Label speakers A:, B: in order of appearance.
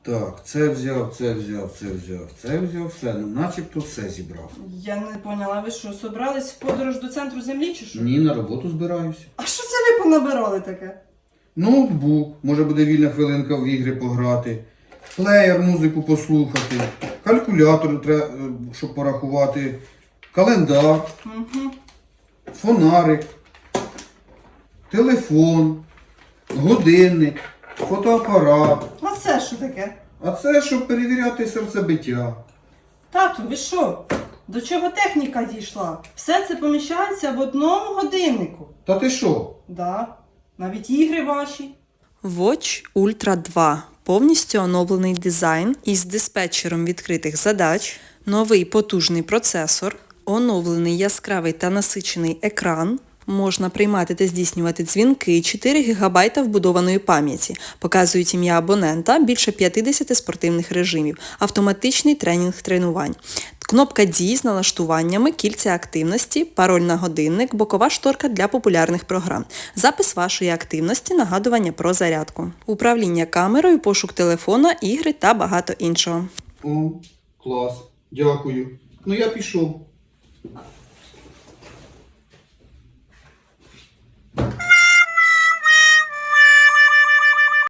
A: Так, це взяв, це взяв, це взяв, це взяв, все, ну начебто все зібрав.
B: Я не поняла, ви що, собрались в подорож до центру землі чи що?
A: Ні, на роботу збираюся.
B: А що це ви понабирали таке?
A: Ноутбук, може буде вільна хвилинка в ігри пограти, плеєр, музику послухати, калькулятор треба, щоб порахувати, календар,
B: Угу.
A: фонарик, телефон, годинник, фотоапарат.
B: А це що таке?
A: А це щоб перевіряти серцебиття.
B: Тату, ви що? До чого техніка дійшла? Все це поміщається в одному годиннику.
A: Та ти що?
B: Да, навіть ігри ваші.
C: Watch Ultra 2 – повністю оновлений дизайн із диспетчером відкритих задач, новий потужний процесор, оновлений яскравий та насичений екран, можна приймати та здійснювати дзвінки, 4 ГБ вбудованої пам'яті, показують ім'я абонента, більше 50 спортивних режимів, автоматичний тренінг тренувань. Кнопка дій з налаштуваннями, кільця активності, пароль на годинник, бокова шторка для популярних програм, запис вашої активності, нагадування про зарядку, управління камерою, пошук телефона, ігри та багато іншого.
A: О, клас, дякую. Ну я пішов.